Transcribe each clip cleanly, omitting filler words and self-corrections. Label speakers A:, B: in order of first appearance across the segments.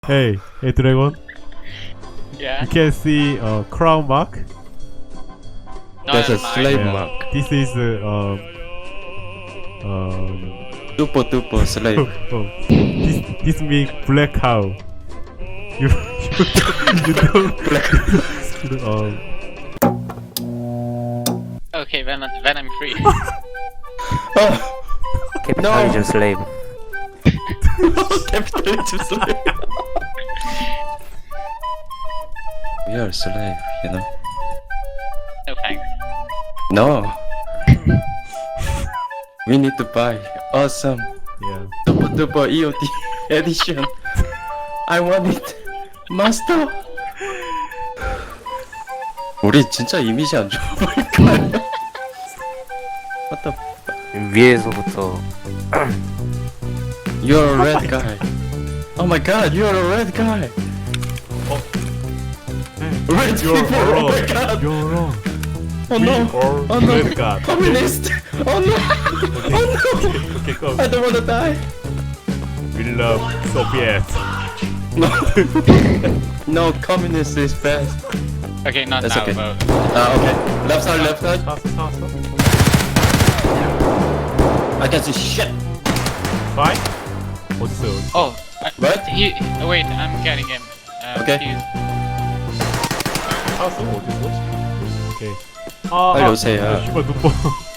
A: Hey, Dragon.
B: Yeah.
A: You can see a crown mark.
B: No,
C: That's a
B: mine.
C: slave
A: Yeah.
C: mark.
A: This is
C: Super duper slave.
A: this means black cow. You don't
B: Okay, then I'm free.
C: Oh,
D: Capitalism slave.
C: capitalism slave. We are slave, you know.
B: No thanks.
C: No. We need to buy awesome
A: yeah.
C: super duper EOD edition. I want it, master. 우리 진짜 이미지 안 좋아 보일까요? What the?
D: 위에서부터
C: You're a red guy. Oh my god, you're a red guy. Red
A: You're
C: people. Oh my
A: wrong.
C: god.
A: You're wrong.
C: Oh
A: We
C: no.
A: are
C: Oh no.
A: red god.
C: Communist. Oh no. Oh no.
A: Okay, go.
C: I don't wanna die.
A: We love Soviet.
C: No. No, communist is best.
B: Okay, not
C: That's
B: now,
C: okay.
B: but
C: Okay. Left side, left side.
A: 사왔어.
C: I can see shit.
A: Fine. 어딨어요?
B: oh,
C: What?
B: he. Wait, I'm getting him.
C: Okay.
B: he's-
A: 사왔어? 어딨어? 오케이.
C: 빨리 오세요.
A: 씨발 눈뽕.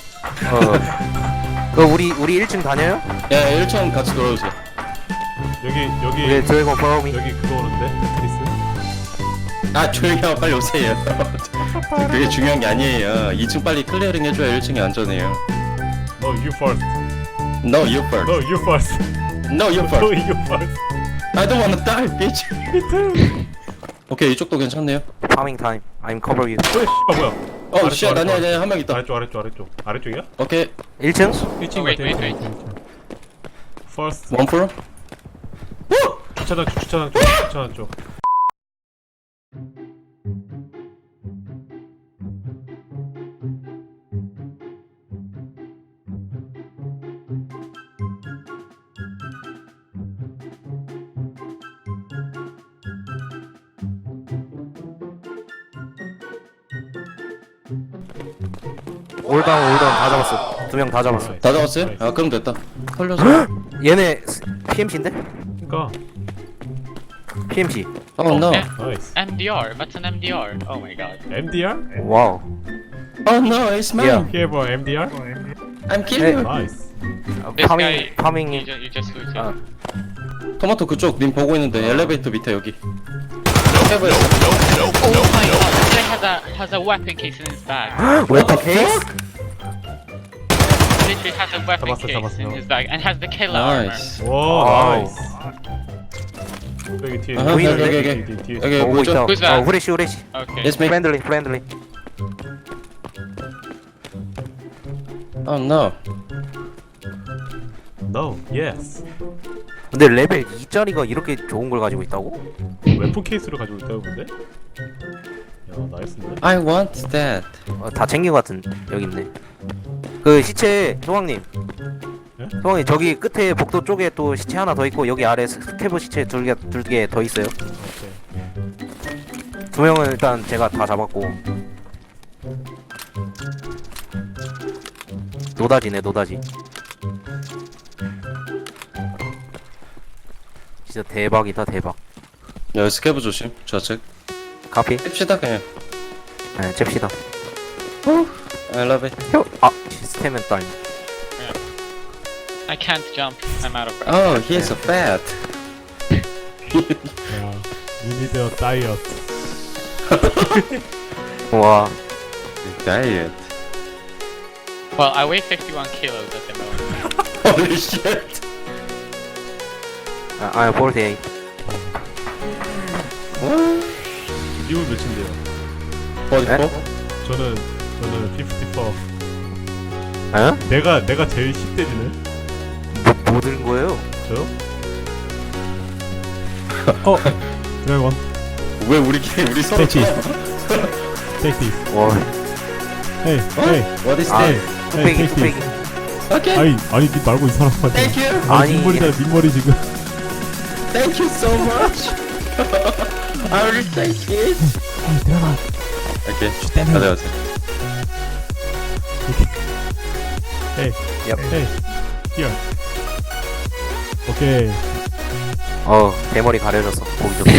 D: 우리 1층 다녀요?
C: 야, 1층 같이 돌아오세요.
A: 여기
D: 네, 드래곤 파워미.
A: 여기 그거 오는데 테트리스.
C: 아, 조용히 하고 빨리 오세요. 그게 중요한 게 아니에요. 2층 빨리 클리어링 해줘야 1층이 안전해요.
A: No, you first.
C: No, you first.
A: No, you first.
C: No, you
A: No,
C: first.
A: you first.
C: I don't wanna die, bitch.
A: Me too.
C: 오케이, 이쪽도 괜찮네요.
D: 파밍 타임. I'm cover you.
A: 씨발 뭐야?
C: 어,
A: 아래쪽,
C: 쉣,
A: 아래쪽,
C: 아니야, 한 명 있다.
A: 아래쪽. 아래쪽이야?
C: 오케이,
D: 1층?
A: 1층
B: wait,
A: 같아.
B: wait.
A: First.
C: 원 프로?
A: 주차장 쪽.
D: 올다운 다 잡았어. 2명 다 잡았어.
C: 다 잡았어요? 아, 그럼 됐다. 털려서.
D: 얘네 PMC인데?
A: 그러니까.
D: PMC.
C: Oh no.
B: Yeah.
A: 나이스.
B: MDR. That's an MDR. Oh my god.
A: MDR?
D: 와우.
C: Oh no, it's mine.
D: Yeah.
A: Here 뭐 MDR?
C: I'm killing you.
A: 나이스.
B: This guy.
D: 파밍이
B: You just looted.
D: 아.
C: 토마토 그쪽 님 보고 있는데 엘리베이터 밑에 여기. 해봐요.
B: Oh my god. This guy has a weapon case in his bag.
D: 웨터 케이스?
B: Literally has a weapon case in his bag and has the killer armor.
C: 나이스.
A: 와,
D: 와우.
A: 나이스. 여기 뒤에.
C: 아하,
D: 여기,
A: 뒤에.
C: 여기
D: 오고
C: 뭐죠?
D: 있다.
B: Who's that?
D: 후레쉬.
B: Okay.
C: Yes, me.
D: 프렌들리.
C: Oh no.
A: No, yes.
D: 근데 레벨 2짜리가 이렇게 좋은 걸 가지고 있다고?
A: 웨폰 케이스를 가지고 있다고 근데? 야, 나이스네.
C: I want that.
D: 다 챙긴 것 같은. 여기 있네. 그 시체 소왕님.
A: 예?
D: 소왕님 저기 끝에 복도 쪽에 또 시체 하나 더 있고 여기 아래 스캐브 시체 둘 개 더 있어요.
A: 오케이.
D: 2명은 일단 제가 다 잡았고. 노다지네 노다지. 진짜 대박이다 대박.
C: 야, 스캐브 조심. 좌측.
D: 카피?
C: 뺍시다 그냥.
D: 네 잽시다.
C: I love it.
D: 시스템은 딸.
B: I can't jump. I'm out of breath.
C: Oh, he is a fat.
A: 야, you need a diet.
D: 와.
C: Diet.
B: Well, I weigh 51 kilos at the moment.
C: Holy shit.
D: I'm 48.
C: What?
A: 이분 몇인데요?
C: 44?
A: 저는 54.
D: 어?
A: 내가 제일 10대지네.
D: 뭐 들은 거예요?
A: 저요? 드래곤.
C: 왜 우리 서로
A: Take
C: 쳐?
A: Take this.
D: 와.
A: Hey.
C: What is
D: 아,
C: that?
D: 뚝배기.
C: Okay.
A: 아니 니 말고 이 사람한테.
C: Thank you.
D: 아니.
A: 민머리다 민머리 지금.
C: Thank you so much. I will take it.
A: 들어가.
C: 오케이.
A: 때문에.
C: 가자 가자.
A: Hey.
D: Yep.
A: Hey. Here. 오케이.
D: 대머리 가려졌어. 보기 좋게.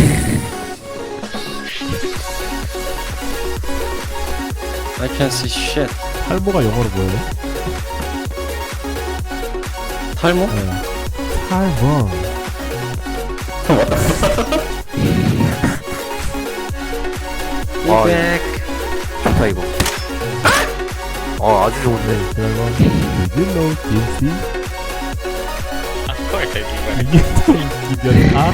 C: I can't see shit.
A: 탈모가 영어로 뭐예요?
C: 탈모?
A: 네. 탈모.
C: 이백.
D: 좋다 이거. 아주 좋은데.
A: 네, 그러면 you know DMC?
B: Of course I do.
A: 이게 또 이변아?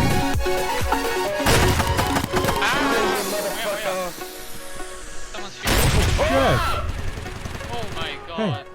B: Someone's shooting.
A: Yes.
B: Oh my god.
A: Hey.